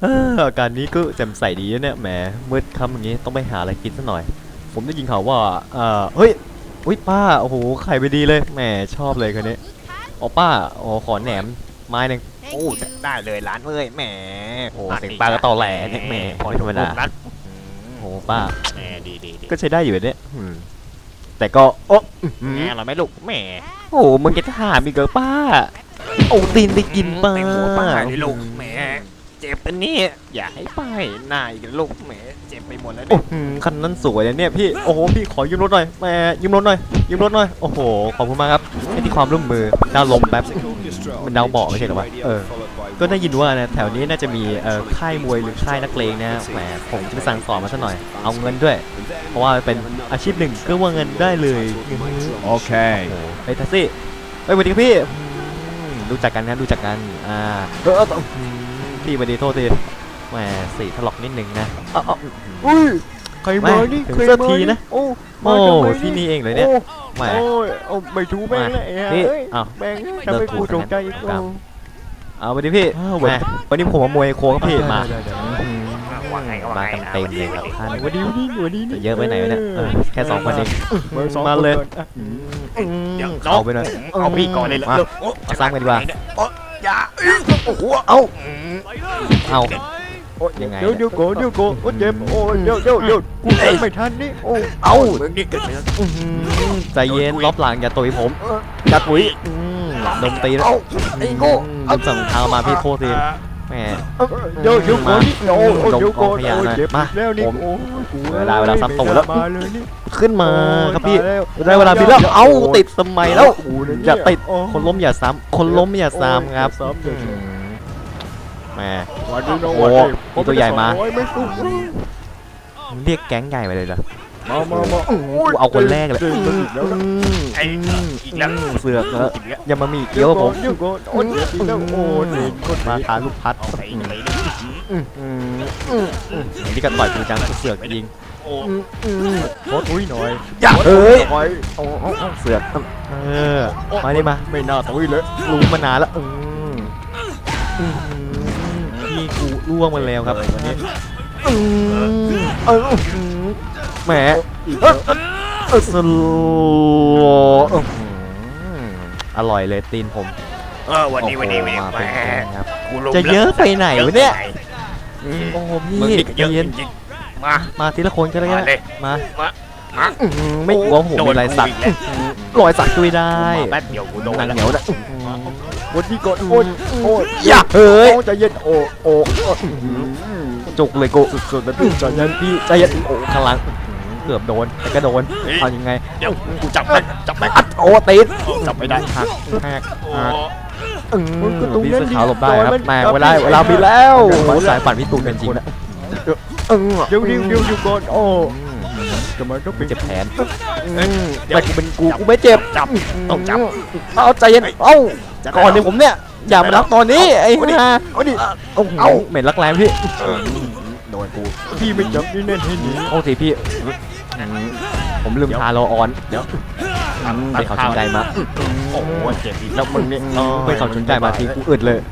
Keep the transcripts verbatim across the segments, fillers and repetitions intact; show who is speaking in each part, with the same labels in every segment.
Speaker 1: เอออาการนี้ก็แจ่มใสดีนะเนี่ยแหมมืดค่ำอย่างงี้ต้องไปหาอะไรกินซะหน่อยผมได้ยินข่าวว่าเออเฮ้ยอุ้ยป้าโอ้โหไข่ไปดีเลยแหมชอบเลยคนนี้อ๋อป้าอ๋อขอแหนมไม้หนึ่ง
Speaker 2: โอ้ได้เลยร้านเอ้ยแหม
Speaker 1: โอ้เสียงป้าก็ตอแหลเนี่ยแหมไม่ธรรมดา
Speaker 2: นั้น
Speaker 1: โอ้ป้า
Speaker 2: แหมดีดีดี
Speaker 1: ก็ใช้ได้อยู่เนี่ยอืมแต่ก็โอ้
Speaker 2: แหมเราไม่ลูกแหม
Speaker 1: โอ้มึงจะถามอีกเหรอป้าโอ้ตีนได้กินป้า
Speaker 2: แตงโมป้าเลยลูกแหมเจ็บอันนี้อย่าให้ป้ายหน้าอีกลูกแหมเจ็บไปหมดแล้ว
Speaker 1: โอ้
Speaker 2: เนี่ย
Speaker 1: โหคันนั้นสวยเลยเนี่ยพี่โอ้โหพี่ขอยืมรถหน่อยแหมยืมรถหน่อยยืมรถหน่อยโอ้โหขอบคุณมากครับให้ที่ความร่วมมือดาวลมแป๊บมันดาวเบาะไม่ใช่เหรอวะเออก็ได้ยินว่านะแถวนี้น่าจะมีเอ่อค่ายมวยหรือค่ายนักเลงนะแหมผมจะไปสั่งสอนมาซะหน่อยเอาเงินด้วย เพราะว่าเป็นอาชีพหนึ่งก็ว่าเงินได้เลย
Speaker 3: โอเค
Speaker 1: โอ้โหไปแท็กซี่ไปสวัสดีครับพี่อืมรู้จักกันนะรู้จักกันอ่าเออเอออืมพี่สวัสดีโทษทีแหมสีถลอกนิดนึงนะเอาเอา
Speaker 3: อุ้ยใครมานี่
Speaker 1: ถึง
Speaker 3: ใคร
Speaker 1: สัก
Speaker 3: มา
Speaker 1: ทีนะ
Speaker 3: โอ้
Speaker 1: โอ้
Speaker 3: มาทำไม
Speaker 1: ที่นี่เองเลยเนี่ย
Speaker 3: โอ้
Speaker 1: แหม
Speaker 3: โอ้ยเอาไม่ถูกแม่งเลย
Speaker 1: มา
Speaker 3: เอ้
Speaker 1: นี่
Speaker 3: ย
Speaker 1: อ้าว
Speaker 3: แม่ง
Speaker 1: เลิ
Speaker 3: ทำ
Speaker 1: ก
Speaker 3: ให้
Speaker 1: ถู
Speaker 3: กู
Speaker 1: ก
Speaker 3: ตกใจอีก
Speaker 1: ครั
Speaker 3: แล้
Speaker 1: บ
Speaker 3: ว
Speaker 1: เอาไปดิพี่
Speaker 3: อ้าว
Speaker 1: แหมวันนี้ผมมามวยโค้งครับพี่มา
Speaker 3: ได้ได้ได้
Speaker 1: อืม
Speaker 2: ว่าไงก็ว่า
Speaker 1: มา
Speaker 2: ไง
Speaker 1: กัน
Speaker 2: นะ
Speaker 1: เต็มเลยครับท่าน
Speaker 3: วันนี้วันนี้วันนี้
Speaker 1: จะเยอะไปไหนวะเนี่ยเออแค่สองคนเอง
Speaker 3: เบอร์สอง
Speaker 1: มาเลย
Speaker 3: คนอ่ะ
Speaker 1: อืม
Speaker 2: เดี๋ยว
Speaker 1: เอาไปหน่อย
Speaker 2: เอาพี่ก่อนเลยเหรอ
Speaker 1: มา
Speaker 2: โอ้
Speaker 1: เอาซ้ำกันดีกว่า
Speaker 2: โอ้อย่าโอ้โห
Speaker 1: เอ้า
Speaker 2: อืม
Speaker 1: เอา
Speaker 3: โอ้ย
Speaker 1: ยังไง
Speaker 3: เดี๋ยวเดี๋ยวโกเดี๋ยวโกโอ้ยเจ็บโอ้ยเดี๋ยวเดี๋ยวเดี๋ยวกูเองไม่ทันนี่โอ้
Speaker 1: เอ้า
Speaker 2: มึงนี่เกิดไปแล้ว
Speaker 1: อื้อหือใจเย็นรอบหลังอย่าตุยผม
Speaker 3: เออ
Speaker 1: อย่าตุยอืมดมตีแล้ว
Speaker 2: เอ้าไอ้โง่
Speaker 1: ลืมสั่งเท้ามาพี่โทษทีแหม
Speaker 3: เออเดี๋ยวเดี๋ยวโกนี่โอ้ยโอ้ยเดี๋ยวโก
Speaker 1: ลงกองขยะ
Speaker 3: โอ้ย
Speaker 1: หน่อย
Speaker 3: เจ็บ
Speaker 1: มา
Speaker 3: แล้วนี่
Speaker 1: ผม
Speaker 3: โอ้ยกู
Speaker 1: เวลาเวลาซ้ำตูดแล้ว
Speaker 3: มาเลยนี่
Speaker 1: ขึ้นมาครับพี่
Speaker 3: ตายแล้ว
Speaker 1: ได้เวลาพี่แล้วเอ้าติดสมัยแล้ว
Speaker 3: โอ้โหเนี่ย
Speaker 1: อย่าติด
Speaker 3: โอ้
Speaker 1: คนล้มอย่าซ้ำคนล้มอย่าซ้ำครับ
Speaker 3: โอ้ยอย่าซ้ำอย่าซ้ำ
Speaker 1: อืมแหม
Speaker 3: วันนี้น้อง
Speaker 1: โอ้
Speaker 3: วันนี้
Speaker 1: มีตัวใหญ่มา
Speaker 3: โอ้ยไม่สู้
Speaker 1: เรียกแก๊งใหญ่มาเลยเหรอ
Speaker 3: มามามา
Speaker 1: กูเอาคนแรกเลย
Speaker 3: จงๆแล้วนะ
Speaker 2: ไอ้อีกแล้ว
Speaker 1: เสือกแล้ว
Speaker 2: อีกแล้ว
Speaker 1: อย่ามามีเกี้ยวกับผม
Speaker 3: เดี๋ยวก่อนโอ้ยเดี๋ยวก่อนโอ้ยแล้วโอ้ยนี่คน
Speaker 1: มา
Speaker 3: มา
Speaker 1: ทาลูกพัด
Speaker 2: เอาไปเลยเลย
Speaker 1: อืมอืมอืมอืมนี่ก็ต่อยกูจังกูเสือกยิง
Speaker 2: โอ้
Speaker 1: อืมอืม
Speaker 3: โคตรอุ้ยหน่อย
Speaker 1: อย่าเอ้ย
Speaker 3: หน่อย
Speaker 1: โอ้โอ้โอ้เสือกเออมาดิมา
Speaker 3: ไม่น่าตุ้ยเลย
Speaker 1: รู้มานานแล้วอืมอืมพี่กูล่วงมาแล้วครับวันนี้อืมเอออืมแหมเออเออสโลว์อื้อหืออร่อยเลยตีนผม
Speaker 2: เออวันนี้วันนี้วันนี้
Speaker 1: โอ้โห
Speaker 2: แห
Speaker 1: มาเป็นแก๊งครับ
Speaker 2: กูล้ม
Speaker 1: จะเยอะไปไหนวะเนี่ย
Speaker 2: อืม
Speaker 1: โอ้โห
Speaker 2: มึง
Speaker 1: พี่
Speaker 2: นี่ก็เยอะ
Speaker 1: เย็น
Speaker 2: จริงๆมา
Speaker 1: มาทีละคนก็ได้
Speaker 2: มาเลย
Speaker 1: มา
Speaker 2: มามา
Speaker 1: อื้อหือไม่กลัวผมมีลายสัก
Speaker 2: โดนกูอีกแล้ว
Speaker 1: รอยสักด้วยได้
Speaker 2: มาแป๊บเดียวกูโดน
Speaker 1: หนัง
Speaker 2: แล้ว
Speaker 1: เหนียวนะ
Speaker 3: วันนี้ก่อนโอ้ยโอ้ย
Speaker 1: อย่าเฮ้ย
Speaker 3: โอ้ใจเย็นโอ้โอ้โอ้
Speaker 1: จุกเลยกู
Speaker 3: สุดๆนะพี่ใจเย็น
Speaker 1: พี่ใจเย็นโอ้ข้างหลังเกือบโดนแต่ก็โดนเอายังไง
Speaker 2: เดี๋ยวกูจับได้จับได้
Speaker 1: อัดโอ้ติด
Speaker 2: จับไม่ได้
Speaker 1: หักหัก
Speaker 2: โอ้
Speaker 1: หักอืม
Speaker 3: มันก็ตรง
Speaker 1: พี่
Speaker 3: นั้น
Speaker 1: เสื้อ
Speaker 3: ดิ
Speaker 1: ขาวหลบได้ครับ
Speaker 3: มัน
Speaker 1: แหม่
Speaker 3: ครับ
Speaker 1: เวลา
Speaker 3: พี่
Speaker 1: เวลามีแล้ว
Speaker 3: เดี๋ยว
Speaker 1: โอ้สายปั่นพี่ตูนเป็นจริงนะเออ
Speaker 3: เดี๋ยวเดี๋ยวเดี๋ยวอยู่ก่อนโอ้
Speaker 1: อืม
Speaker 3: ทำไมต้องเป็น
Speaker 1: เจ็บแขน
Speaker 3: อืม
Speaker 1: แต่กูเป็นกูกูไม่เจ็บ
Speaker 2: จับต้องจับ
Speaker 1: เอาใจเย็นเอ้าก่อนเนี่ยผมเนี่ยอย่ามารักตอนนี้ไอ้ห่า
Speaker 3: เอาดิ
Speaker 1: โอ้โหเหม็นรักแรงพี่
Speaker 3: โดนกูพี่ไม่จับนี่แน่นให้หนี
Speaker 1: โอ้สิพี่อืมผมลืมทาโลออนเดี๋ยวไปเขาสนใจมา
Speaker 2: โอ้โหเจ็บอีก
Speaker 1: แล้วมึงเนี่ยไปเขาสนใจมาทีกูอึดเลย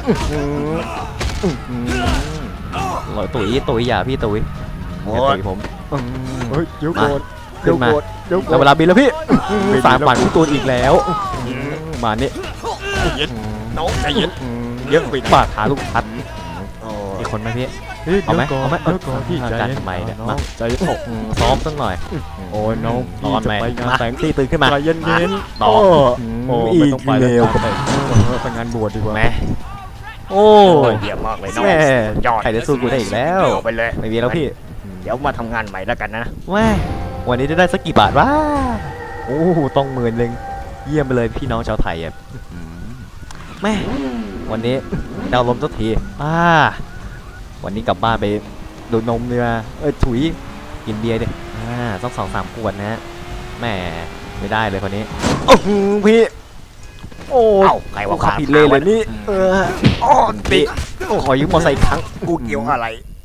Speaker 1: หลอยตุ๋ยตุ๋ยอย่าพี่ตุ๋ยอย่าตุ๋ยผม
Speaker 3: เฮ้ยเดี๋ยวก่อน
Speaker 1: ขึ้
Speaker 3: เดี๋ย
Speaker 1: น
Speaker 3: ว
Speaker 1: มา
Speaker 3: ก่อนเดี๋ยวก่
Speaker 1: แล้
Speaker 3: อ
Speaker 1: วน เวลาบินแล้วพี่
Speaker 3: บิน
Speaker 1: สาม
Speaker 3: แล้ว
Speaker 1: ฝันพี่ตูนอีกแล้วมาเนี่ย
Speaker 2: เย็นน้องใจเย็น
Speaker 1: เยอะไปบาดขาลูกพัด
Speaker 2: โอ้
Speaker 1: อีกคนไหมพี่
Speaker 3: เฮ้ย
Speaker 1: เอาไหม
Speaker 3: ดี๋ยวก่น
Speaker 1: เอาไหม
Speaker 3: เดี๋ยวก่อนพี่ใจ
Speaker 1: การ
Speaker 3: เย็น
Speaker 1: ทำไมเนี่ย
Speaker 3: น้
Speaker 1: มา
Speaker 3: องใจเย็นโอ้
Speaker 1: ซ้อมสักหน่อย
Speaker 3: โอ้ยน้อง
Speaker 1: นอน
Speaker 3: จะ
Speaker 1: ไหม
Speaker 3: ไปงาน
Speaker 1: มา
Speaker 3: แต่ง
Speaker 1: ตีตื่นขึ้นมา
Speaker 3: ใจเย็นเย็น
Speaker 1: ต่อ
Speaker 3: โอ้
Speaker 1: อี
Speaker 3: ไม่
Speaker 1: ก
Speaker 3: ต้องไป
Speaker 1: เร็ว
Speaker 3: ไปไปงานบวชดีกว่า
Speaker 1: แม่โอ้
Speaker 2: โอ้ยเยี่ยมมากเลยน้อง
Speaker 1: แม่
Speaker 2: ยอด
Speaker 1: ใครจะสู้กูได้อีกแล้ว
Speaker 2: เอาไปเลย
Speaker 1: ไม่มีแล้วพี่
Speaker 2: เดี๋ยวมาทำงานใหม่แล้วกันนะ
Speaker 1: แม่วันนี้จะได้สักกี่บาทวะโอ้ต้องหมื่นหนึ่งเยี่ยมไปเลยพี่น้องชาวไทยอ่ะแม่วันนี้ดาวลมสักทีป้าวันนี้กลับบ้านไปดูดนมเนื้อเอ้ยถุยกินเบียร์ดิอ่าต้องสองสามขวดนะฮะแม่ไม่ได้เลยคนนี้โอ้โหพี่โอ้
Speaker 2: เอ้าใครว่า
Speaker 1: ขับผิดเลยเลยนี่เออ
Speaker 2: โอ้
Speaker 1: พี่ขอยืมมอเตอร์ไซค์อีกครั้ง
Speaker 2: กูเกี่ยวอะไร